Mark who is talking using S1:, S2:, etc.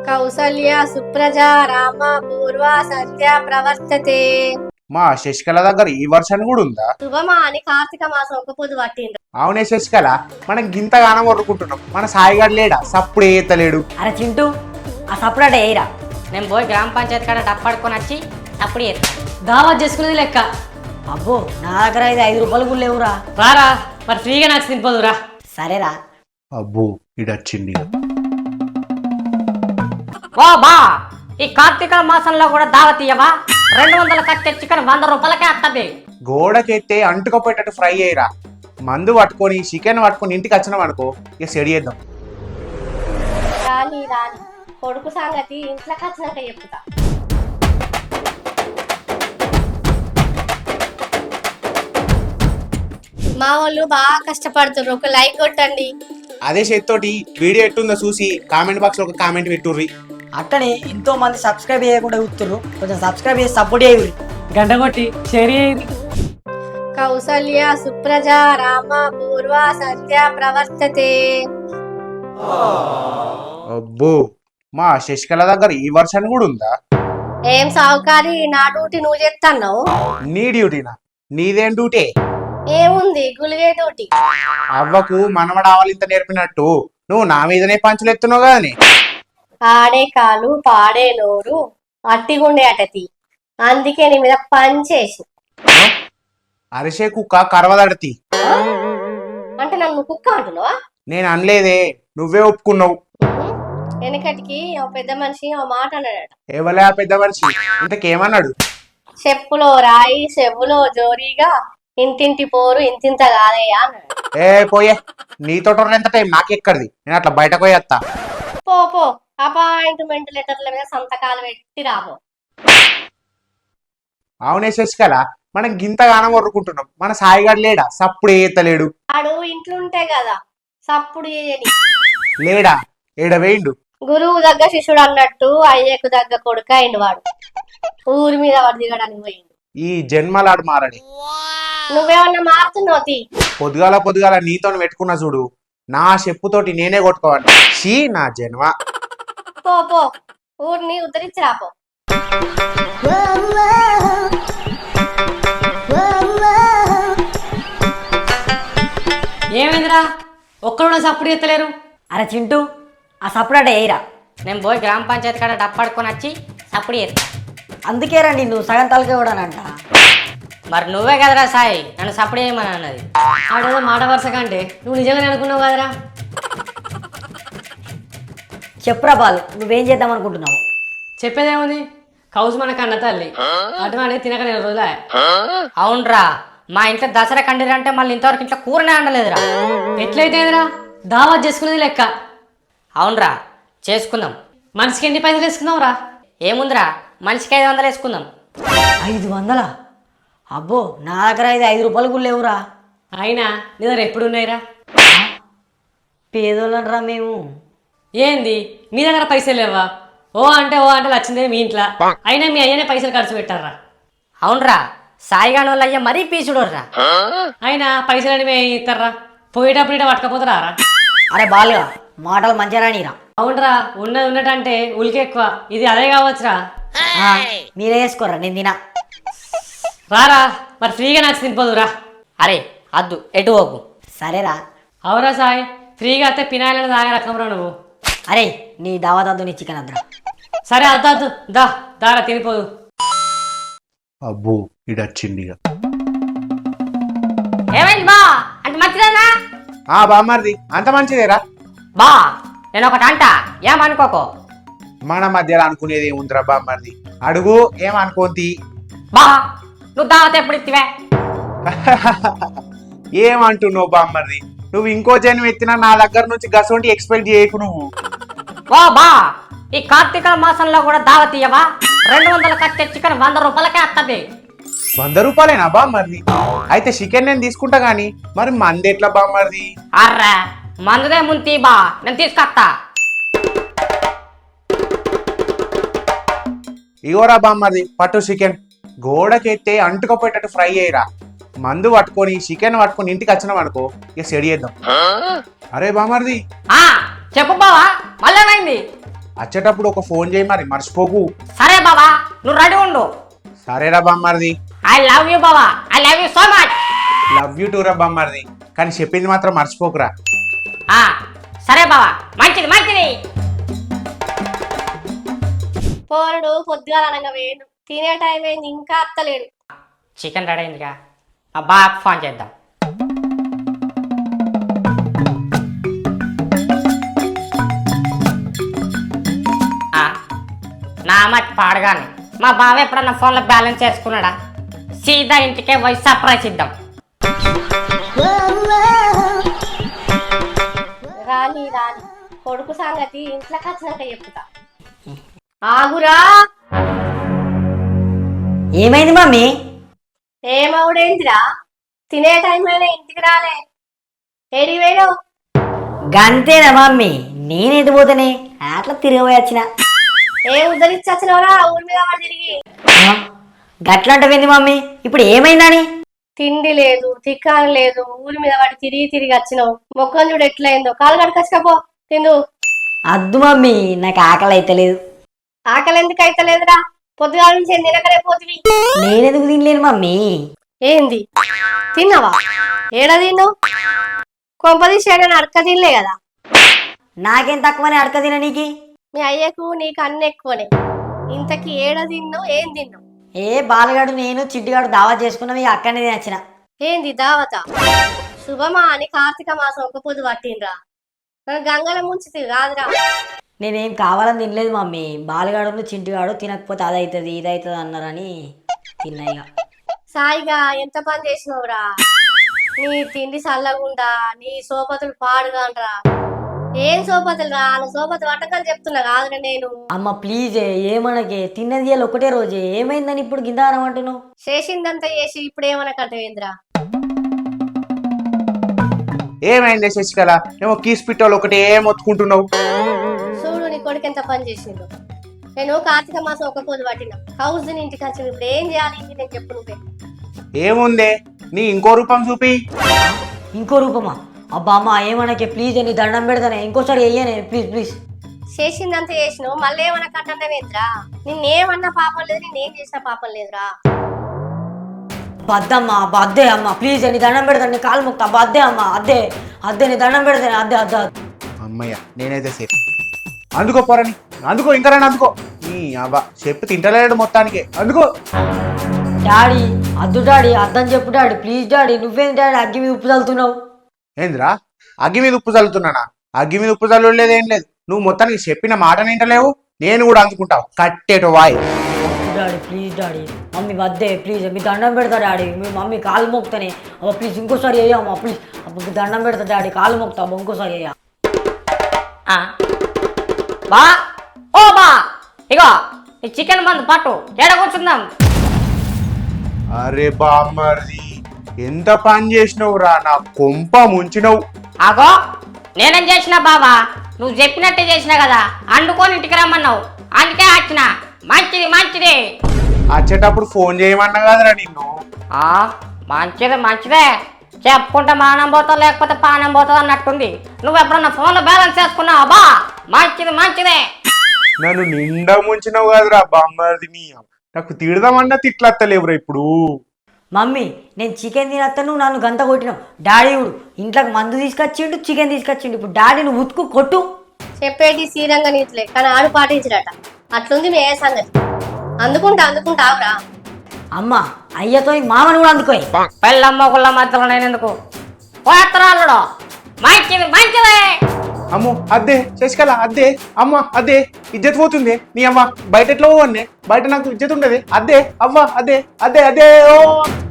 S1: కౌసల్య సుప్రజా రామ పూర్వ సంధ్య ప్రవర్తతే.
S2: మా శశికళ దగ్గర ఈ వర్షన్ కూడా ఉందా?
S1: శుభమా అని కార్తీక మాసం ఒక పొద్దు పట్టిండ్రు.
S2: అవునే శశికళ, మనం గింతగానం వరుకుంటున్నాం, మన సాయిగాడు లేడా? సప్పుడు ఏతలేడు.
S3: అరే చింటూ, ఆ సపరేట్ ఏయిరా.
S4: నేను పోయి గ్రామ పంచాయతీ కాడ డప్పాడుకొని వచ్చి అప్పుడు
S3: దావత్ చేసుకునేది లెక్క. అబ్బో, నా దగ్గర అయితే 5 రూపాయలు కూడా లేవురా.
S4: రారా, మరి ఫ్రీగా నాకు తినిపోదురా.
S3: సరేరా.
S2: అబ్బో ఇడొచ్చింది.
S4: ఓ బా, ఈ కార్తీక మాసంలో కూడా దావత్ ఇయ్యవా? 200 కట్టే చికెన్ 100 రూపాయలకే వస్తుంది.
S2: గోడకెత్తే అంటుకపోయేటట్టు ఫ్రై అయ్యిరా. మందు పట్టుకొని చికెన్ పట్టుకొని ఇంటికి వచ్చినాం అనుకో, ఇక సెడి చేద్దాం.
S1: రాని రాని కొడుకు సంగతి ఇంట్లోకి వచ్చినాక చెప్తా. మా వాళ్ళు బాగా కష్టపడుతున్నారు, ఒక లైక్ కొట్టండి.
S2: అదే చేత్తోటి వీడియో ఎట్టుందో చూసి కామెంట్ బాక్స్ లో ఒక కామెంట్ పెట్టుర్రి.
S3: అట్టనే ఎంతో మంది సబ్స్క్రైబ్ చేయకుండా చూస్తున్నారు, కొంచెం సబ్స్క్రైబ్ చేసి సపోర్ట్ చేయరు.
S4: గంట కొట్టి షేర్ చేయండి.
S1: కౌసల్య సుప్రజా రామ పూర్వ సంధ్య ప్రవర్తతే.
S2: అబ్బో, మా శశికళ దగ్గర ఈ వర్షన్ కూడా ఉందా?
S1: ఏం సావుకారి, నా డ్యూటీ నువ్వు చేస్తున్నావు?
S2: నీ డ్యూటీనా? నీదేం డ్యూటీ?
S1: ఏముంది, గులిగే డ్యూటీ.
S2: అవ్వకు మనవడావాలి ఇంత నేర్పినట్టు నువ్వు నా మీదనే పంచులు ఎత్తున్నావు కదని.
S1: ఆడే కాలు పాడే నోరు అట్టిగుండే అటతి, అందుకే నీ మీద పంచేసి.
S2: అరిసే కుక్క కరవదడతి.
S1: అంటే నన్ను కుక్క అంటున్నావా?
S2: నేను అనలేదే, నువ్వే ఒప్పుకున్నావు.
S1: వెనకటికి ఓ పెద్ద మనిషి ఓ మాట అన్నాడట.
S2: ఎవలే ఆ పెద్ద మనిషి? ఇంతకేమన్నాడు?
S1: చెప్పులో రాయి చెవులో జోరీగా ఇంటింటి పోరు ఇంతింత కాదయ్యా అన్నాడు.
S2: ఏ పోయే, నీతో ఎంత టైం నాకెక్కడిది, నేను అట్లా బయటకు పోయేస్తా.
S1: పో పో, అపాయింట్మెంట్ లెటర్ల మీద సంతకాలు పెట్టి రాబో.
S2: అవునే శశికళ, మనం గింతగానం వరుకుంటున్నాం, మన సాయిగాడు లేడా? సప్పుడు ఏతలేడు.
S1: ఆడు ఇంట్లో ఉంటే కదా సప్పుడు చేయని.
S2: లేడా? ఏడవేయిండు.
S1: గురువు దగ్గర శిష్యుడు అన్నట్టు అయ్యకు దగ్గర కొడుకు అయిండు వాడు. ఊరి మీద వాడు దిగడానికి పోయిండు.
S2: ఈ జన్మలాడు మారని.
S1: నువ్వేమన్నా మారుతున్నావు తీ.
S2: పొద్దుగాల నీతో పెట్టుకున్నా చూడు, నా చెప్పుతోటి నేనే కొట్టుకోవాలి. షీ నా జన్మ.
S1: పో పో, ఊరిని ఉద్ధరించి రాపో.
S4: ఏమైందిరా, ఒక్కడు సప్పుడు ఎత్తలేరు?
S3: అరే చింటూ, ఆ సపరేట్ ఏయిరా.
S4: నేను పోయి గ్రామ పంచాయతీ కాడ డప్పాడుకొని వచ్చి అప్పుడు
S3: అందుకే రండి, నువ్వు సగం తలకే కూడానంట.
S4: మరి నువ్వే కదరా సాయి నన్ను సప్పుడు చేయమని అన్నది. ఆడేదో మాట వరుస కంటే నువ్వు నిజంగానే అనుకున్నావు కదరా.
S3: చెప్పురా బాలు, నువ్వేం చేద్దాం అనుకుంటున్నావు?
S4: చెప్పేదేముంది, కౌసు మన కన్న తల్లి, అటువంటి తినక 4 రోజులే. అవునరా, మా ఇంట్లో దసరా కండిరంటే మళ్ళీ ఇంతవరకు ఇంట్లో కూరనే అండలేదురా. ఎట్లయితేదిరా, దావత్ చేసుకునేది లెక్క. అవునరా, చేసుకుందాం. మనిషికి ఎన్ని పైసలు వేసుకుందాం రా? ఏముందిరా, మనిషికి 500 వేసుకుందాం.
S3: 500? అబ్బో, నా దగ్గర అయితే 5 రూపాయలు కూడా లేవురా.
S4: అయినా నీ దగ్గర ఎప్పుడు ఉన్నాయిరా?
S3: పేదోళ్ళనరా మేము.
S4: ఏంది మీ దగ్గర పైసలు లేవా? ఓ అంటే వచ్చిందే మీ ఇంట్లో, అయినా మీ అయ్యనే పైసలు ఖర్చు పెట్టారా? అవునరా, సాయిగాని వాళ్ళ అయ్యా మరీ పీచుడోర్రా. అయినా పైసలు మేము ఇస్తారా? పోయేటప్పుడు ఇట పట్టుకపోతారా?
S3: అరే బాలుగా, మాటలు మంచిగా రానిరా.
S4: అవునరా, ఉన్నది ఉన్నట్టంటే ఉలికి ఎక్కువ, ఇది అదే కావచ్చురా.
S3: మీరే వేసుకోర్రా, నేను తినా.
S4: రారా, మరి ఫ్రీగా నాకు తినిపోదురా. అరే అద్దు, ఎటు పోకు.
S3: సరేరా.
S4: అవురా సాయి, ఫ్రీగా అయితే పినాయిలని తాగే రకంరా నువ్వు.
S3: అరే నీ దావత్ అద్దు, నీ చికెన్ అద్దురా.
S4: సరే అద్దు దారా తినిపోదు.
S2: అబ్బో ఇడొచ్చింది.
S4: ఏమైంది బా, అంటే మంచిదేనా?
S2: బామ్మర్ది, అంత మంచిదేరా.
S4: బా నేను ఒకటి అంట, ఏమనుకోకో.
S2: మన మధ్యలో అనుకునేది ఏముందిరా బామ్మర్ది, అడుగు, ఏమనుకోంతి.
S4: బా నువ్వు దావత్ ఎప్పుడు ఇచ్చివే?
S2: ఏమంటున్నావు బామ్మర్ది, నువ్వు ఇంకో జన్మ ఎత్తినా నా దగ్గర నుంచి గసొంటి ఎక్స్పెక్ట్ చేయకు నువ్వు.
S4: ఓ బా, ఈ కార్తీక మాసంలో కూడా దావత్ ఇయ్యవా? 200 కట్టే చికెన్ 100 రూపాయలకే వస్తుంది.
S2: 100 రూపాయలేనా బామ్మర్ది? అయితే చికెన్ నేను తీసుకుంటా గానీ మరి మంది ఎట్లా బామ్మర్ది?
S4: అర్రా, మందుదే ముంతి బా, నేను తీసుకొస్తా.
S2: ఇగోరా బామ్మర్ది, పట్టు చికెన్. గోడకెత్తే అంటుకపోయేటట్టు ఫ్రై అయ్యిరా. మందు పట్టుకొని చికెన్ పట్టుకొని ఇంటికి వచ్చినాం అనుకో, ఇక సెడి చేద్దాం. అరే బామ్మర్ది,
S4: చెప్పు బావా, మళ్ళీ ఏమైంది?
S2: వచ్చేటప్పుడు ఒక ఫోన్ చేయి మరి మర్చిపోకు.
S4: సరే బావా నువ్వు రెడీ ఉండు.
S2: సరేరా బామ్మర్ది.
S4: ఐ లవ్ యూ బావా, I love you so much.
S2: Love you too రా బామ్మర్ది, కానీ చెప్పింది మాత్రం మర్చిపోకురా.
S4: సరే బావా, మంచిది మంచిది.
S1: పోరడు పొద్దుగాల అనగా వేడు, తినే టైం అయింది ఇంకా అత్తలేడు.
S4: చికెన్ రెడీ అయిందిగా, మా బాగా ఫోన్ చేద్దాం. నా మట్టి పాడగానే మా బావ ఎప్పుడన్నా ఫోన్లో బ్యాలెన్స్ చేసుకున్నాడా? సీదా ఇంటికే పోయి సర్ప్రైజ్ ఇద్దాం.
S1: రాని రాని కొడుకు సంగతి ఇంట్లోకి వచ్చినాక చెప్తా. ఆగురా.
S3: ఏమైంది మమ్మీ?
S1: ఏమవుడేంటిరా, తినే టైం అయినా ఇంటికి రాలే, ఏడి వేయవు?
S3: గంతేనా మమ్మీ? నేనేది పోతేనే అట్లా తిరిగిపోయి వచ్చిన.
S1: ఏం ఉద్ధరించి వచ్చినవరా ఊరి మీద వాడు తిరిగి?
S3: గట్లంటవింది మమ్మీ, ఇప్పుడు ఏమైందని?
S1: తిండి లేదు తిక్కాని లేదు, ఊరి మీద వాడి తిరిగి తిరిగి వచ్చినావు. మొక్కలు చూడు ఎట్లయిందో, కాలు కడకచ్చుకపో తిందు.
S3: అద్దు మమ్మీ, నాకు ఆకలి అయితలేదు.
S1: ఆకలి ఎందుకు అయితలేదురా? పొద్దుగాల నుంచి ఏం తినకనే పోతివి.
S3: నేనెందుకు తినలేను మమ్మీ?
S1: ఏంది తిన్నావా? ఏడ తిన్నావు? కొంపదీసి ఏడని అడక తినలే కదా?
S3: నాకేం తక్కువని అడక తిన నీకి?
S1: మీ అయ్యకు నీకు అన్ని ఎక్కువనే. ఇంతకి ఏడ తిన్నావు, ఏం తిన్నావు?
S3: ఏ బాలగాడు నేను చిట్టిగాడు దావా చేసుకున్నాం, అక్కడనే నచ్చిన.
S1: ఏంది దావత? శుభమా అని కార్తీక మాసం ఒక పొద్దు పట్టిండ్రా, నన్ను గంగల ముంచితే కాదురా.
S3: నేనేం కావాలని తినలేదు మమ్మీ, బాలగాడు చింటిగాడు తినకపోతే అదవుతుంది ఇదవుతుంది అన్నారని తిన్నాయిగా.
S1: సాయిగా ఎంత పని చేసినవురా? నీ తిండి చల్లగుండా, నీ సోపతులు పాడుగాండ్రా. ఏం సోపతులు రా? సోపతి వంటకాలు చెప్తున్నా కాదురా నేను.
S3: అమ్మ ప్లీజ్ ఏమనకే, తిన్నది ఇవాళ ఒకటే రోజే, ఏమైందని ఇప్పుడు గిందారం అంటున్నావు?
S1: చేసిందంతా చేసి ఇప్పుడు ఏమనకంటవేంద్రా?
S2: ఏమైంది శశికళ, ఏమో కీస్ పిట్టోళ్ళు ఒకటే మొత్తుకుంటున్నావు?
S1: చూడు నీ కొడుకు ఎంత పని చేసిండు. నేను కార్తీక మాసం ఒక పొద్దు పట్టినా, హౌస్ ఇంటికి వచ్చి ఇప్పుడు ఏం చేయాలి నేను చెప్పు నువ్వే.
S2: ఏముందే, నీ ఇంకో రూపం చూపి.
S3: ఇంకో రూపమా? అబ్బా అమ్మ ఏమనకే ప్లీజ్, నీ దండం పెడతానే, ఇంకోసారి వెయ్యనే ప్లీజ్ ప్లీజ్.
S1: చేసిందంతా చేసినావు, మళ్ళీ ఏమనకంటవేంద్రా? నిన్నేమన్నా పాపం లేదు, నేనేం చేసిన పాపం లేదురా.
S3: బద్దమ్మా బద్దే అమ్మ ప్లీజ్, నీ దండం పెడతాను, నీ కాలు ముక్తా బద్దే అమ్మ, అద్దే అద్దే నీ దండం పెడతాను, అద్దే అద్దే.
S2: అమ్మయ్య నేనైతే సేఫ్. అందుకో పోరని, అందుకో ఇంకా రాని అందుకో. నీ అవ్వ చెప్పు తింటలేడు మొత్తానికి, అందుకో.
S3: డాడీ అద్దు డాడీ, అద్దని చెప్పు డాడీ ప్లీజ్ డాడీ. నువ్వేంటి డాడీ అగ్గి మీద ఉప్పు చల్లుతున్నావు?
S2: ఏంద్రా అగ్గి మీద ఉప్పు చల్లుతున్నానా? అగ్గి మీద ఉప్పు చల్లలేదు ఏం లేదు, నువ్వు మొత్తానికి చెప్పిన మాట వింటలేవు, నేను కూడా అందుకుంటావు కట్టేటో వాయ్.
S3: డాడీ ప్లీజ్ డాడీ, మమ్మీ వద్దే ప్లీజ్, మీ దండం పెడతా డాడీ, మీ మమ్మీ కాలు మోపుతానే అబ్బా ప్లీజ్, ఇంకోసారి వేయమ్మా ప్లీజ్, అప్పుడు దండం పెడతా డాడీ, కాలు మోపుతా అబ్బా, ఇంకోసారి వేయ.
S4: బా ఓ బా, ఇగో ఈ చికెన్ మందు పట్టు, ఏడ కూర్చుందాం.
S2: అరే బామ్మర్ది ఎంత పని చేసినవురా, నా కొంప ముంచినవు.
S4: ఆగో నేనేం చేసినా బావా, నువ్వు చెప్పినట్టే చేసినా కదా, అండుకొని ఇంటికి రమ్మన్నావు, అందుకే వచ్చిన. మంచిది మంచిది.
S2: వచ్చేటప్పుడు ఫోన్ చేయమన్నా కదరా నిన్ను.
S4: మంచిదే మంచిదే, చెప్పుకుంటే మానం పోతావు లేకపోతే పానం పోతావు అన్నట్టుంది. నువ్వు ఎప్పుడన్నా ఫోన్లో బ్యాలెన్స్ చేసుకున్నావా? బా మంచిది మంచిదే.
S2: నన్ను నిండా ముంచినవు కదరా బామ్మర్ది, నీ నాకు తిడదామన్నా తిట్లత్తలేవురా ఇప్పుడు.
S3: మమ్మీ నేను చికెన్ తినత్తా, నువ్వు నన్ను గంత కొట్టినావు. డాడీ ఇప్పుడు ఇంట్లోకి మందు తీసుకొచ్చిండు, చికెన్ తీసుకొచ్చిండు, ఇప్పుడు డాడీ నువ్వు ఉతుకు కొట్టు.
S1: చెప్పేటి శ్రీరంగ నీతులే కానీ ఆడు పాటించడట, అట్లుంది మీ ఏ సంగతి. అందుకుంటావురా.
S3: అమ్మ అయ్యతో మామను కూడా అందుకోయి.
S4: పెళ్ళమ్మ గుళ్ళ మధ్యలో నేను ఎందుకు పోత్రాలుడు. మంచిది మంచిదే.
S2: అమ్మో అద్దే శశికళ అద్దే, అమ్మ అద్దే ఇజ్జత్ పోతుంది. నీ అమ్మ బయట ఎట్లా పోవన్నే, బయట నాకు ఇజ్జత్ ఉండదు. అద్దే అవ్వ అద్దే అద్దే అదే ఓ.